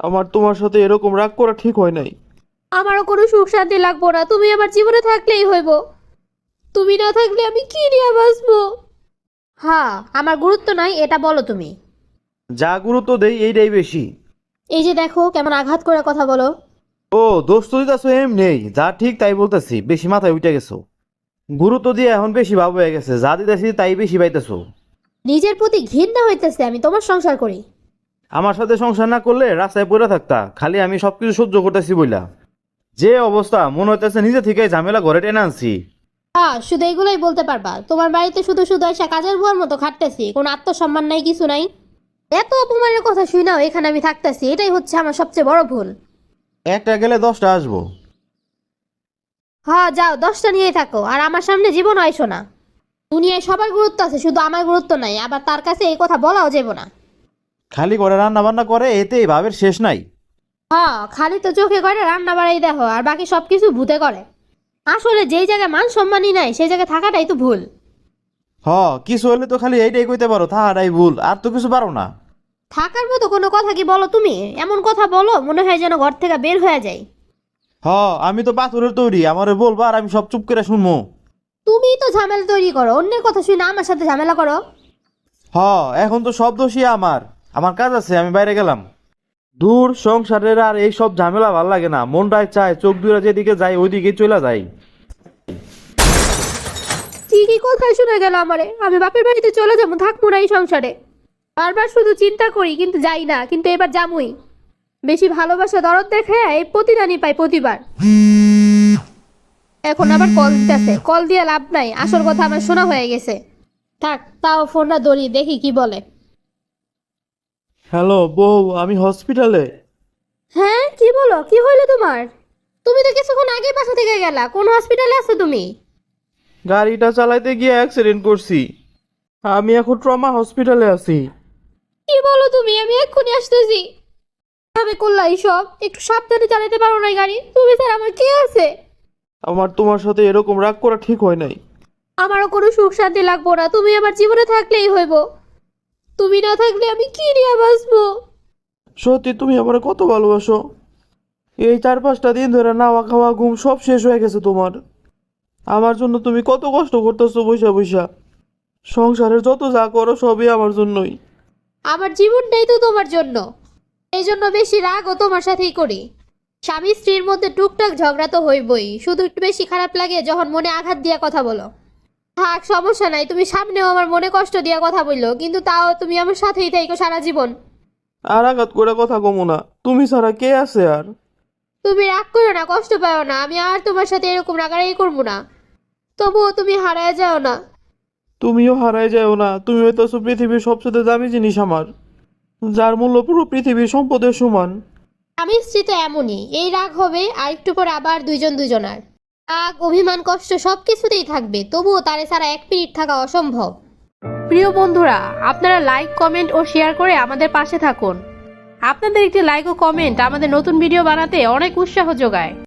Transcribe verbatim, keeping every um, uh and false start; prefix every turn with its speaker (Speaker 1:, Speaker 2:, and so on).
Speaker 1: আমার তোমার সাথে এরকম রাগ করা ঠিক হয় নাই।
Speaker 2: আমারও কোনো সুখ শান্তি লাগবো না, তুমি আমার জীবনে থাকলেই হইব। তুমি না থাকলে আমি কি নিয়ে বাঁচবো? হ্যাঁ, আমার গুরুত্ব নাই এটা বলো তুমি।
Speaker 1: যা গুরুত্ব দেই এইটাই বেশি।
Speaker 2: এই যে দেখো কেমন আঘাত করে কথা বলো।
Speaker 1: ও দোষ তো দিতেছো এম নেই, যা ঠিক তাই বলতেছি, বেশি মাথায় উঠে গেছো। গুরুত্ব দিয়ে এখন বেশি ভাব হয়ে গেছে, যা দিতেছি তাই বেশি পাইতেছো।
Speaker 2: নিজের প্রতি ঘৃণা হইতেছে, আমি তোমার সংসার করি।
Speaker 1: আমার সাথে সংসার না করলে রাস্তায় পড়ে থাকতা, খালি আমি সবকিছু সহ্য করতেছি বইলা। যে অবস্থা মনে হইতেছে নিজে থেকে ঝামেলা ঘরে টেনে আনছি।
Speaker 2: হ্যাঁ, শুধু এইগুলোই বলতে পারবা। তোমার বাড়িতে শুধু শুধু এসে কাজের বুয়ার মতো খাটতেছি, কোনো আত্মসম্মান নাই, কিছু নাই। এত অপমানের কথা শুই নাও এখানে আমি থাকতেছি, এটাই হচ্ছে আমার সবচেয়ে বড় ভুল।
Speaker 1: একটা গেলে দশটা আসবো।
Speaker 2: হ্যাঁ যাও, দশটা নিয়েই থাকো, আর আমার সামনে জীবন আইসো না। দুনিয়ায় সবার গুরুত্ব আছে, শুধু আমার গুরুত্ব নাই, আবার তার কাছে এই কথা বলাও যাবো না।
Speaker 1: খালি করে রান্না বান্না করে, এতেই ভাবের শেষ নাই।
Speaker 2: হ্যাঁ, খালি তো চোখে করে রান্না বাড়াই দেখো, আর বাকি সবকিছু ভূতে করে। আসলে যেই জায়গায় মান সম্মানই নাই সেই জায়গায় থাকাটাই তো ভুল।
Speaker 1: হ, কিছু হলে তো খালি এইটাই কইতে পারো, তাহারাই ভুল, আর তো কিছু পারো না।
Speaker 2: থাকার মতো কোনো কথা কি বলো তুমি? এমন কথা বলো মনে হয় যেন ঘর থেকে বের হয়ে যায়।
Speaker 1: হ, আমি তো পাথরের তৈরি, আমারে বলবো আর আমি সব চুপ করে শুনবো।
Speaker 2: তুমিই তো ঝামেলা তৈরি করো, অন্যের কথা শুনে আমার সাথে ঝামেলা করো।
Speaker 1: হ, এখন তো সব দোষী আমার। আমার কাজ আছে, আমি বাইরে গেলাম। দূর সংসারের আর এই সব ঝামেলা ভাল লাগে না, মনটায় চায় চোখ দুইরা যেদিকে যায় ওইদিকে চলে যায়।
Speaker 2: কি কি কোথায় শুনে গেল আমারে? আমি বাপের বাড়িতে চলে যাবো, থাকবো না এই সংসারে। বারবার শুধু চিন্তা করি কিন্তু যাই না, কিন্তু এবার যামুই। বেশি ভালোবাসা দরদ দেখে এই প্রতিদানই পাই প্রতিবার। এখন আবার কল দিতেছে, কল দিয়ে লাভ নাই, আসল কথা আমার শোনা হয়ে গেছে। থাক, তাও ফোনটা ধরি, দেখি কি বলে।
Speaker 1: হ্যালো বউ, আমি হসপিটালে।
Speaker 2: হ্যাঁ, কি বলো? কি হইলো তোমার? তুমি তো কিছুক্ষণ আগে বাসা থেকে গেলা, কোন হসপিটালে আছো তুমি?
Speaker 1: গাড়িটা চালাইতে গিয়ে অ্যাক্সিডেন্ট করছি, আমি এখন ট্রমা হসপিটালে আছি।
Speaker 2: কি বলো তুমি? আমি এক্ষুনি আসতেছি। ভাবে করলা এইসব? একটু সাবধানে চালাতে পারো না গাড়ি? তুমি স্যার আমার কি আছে?
Speaker 1: আমার তোমার সাথে এরকম রাগ করা ঠিক হয় নাই।
Speaker 2: আমারও কোনো সুখ শান্তি লাগবো না, তুমি আমার জীবনে থাকলেই হইব। তুমি না থাকলে আমি কি নিয়ে বাঁচবো?
Speaker 1: সত্যি তুমি আমার কত ভালোবাসো। এই চার পাঁচটা দিন ধরে নাওয়া খাওয়া ঘুম সব শেষ হয়ে গেছে তোমার। আমার জন্য তুমি কত কষ্ট করতেছো বৈশা বৈশা। সংসারের যত যা করো সবই আমার জন্যই।
Speaker 2: আমার জীবনটাই তো তোমার জন্য, এই জন্য বেশি রাগও তোমার সাথেই করি। স্বামী স্ত্রীর মধ্যে টুকটাক ঝগড়া তো হইবই, শুধু একটু বেশি খারাপ লাগে যখন মনে আঘাত দিয়া কথা বলো। থাক, সমস্যা নাই, তুমি সামনেও আমার মনে কষ্ট দিয়া কথা বললো, কিন্তু তাও তুমি আমার সাথেই থাইকো সারা জীবন।
Speaker 1: আর আঘাত করে কথা কমো না, তুমি ছাড়া কে আছে আর?
Speaker 2: তুমি রাগ করো না, কষ্ট পাও না, আমি আর তোমার সাথে এরকম রাগারাগি করবো না। তবুও তুমি হারায় যাও না।
Speaker 1: তুমিও হারায় যাও না, তুমি হইতেছো পৃথিবীর সবচেয়ে দামি জিনিস আমার, যার মূল্য পুরো পৃথিবীর সম্পদের সমান।
Speaker 2: আমি স্ত্রী তো এমনই, এই রাগ হবে আর একটু পর আবার দুইজন দুজনার। রাগ, অভিমান, কষ্ট সব কিছুতেই থাকবে, তবুও তারে ছাড়া এক মিনিট থাকা অসম্ভব। প্রিয় বন্ধুরা, আপনারা লাইক, কমেন্ট ও শেয়ার করে আমাদের পাশে থাকুন। আপনাদের একটি লাইক ও কমেন্ট আমাদের নতুন ভিডিও বানাতে অনেক উৎসাহ যোগায়।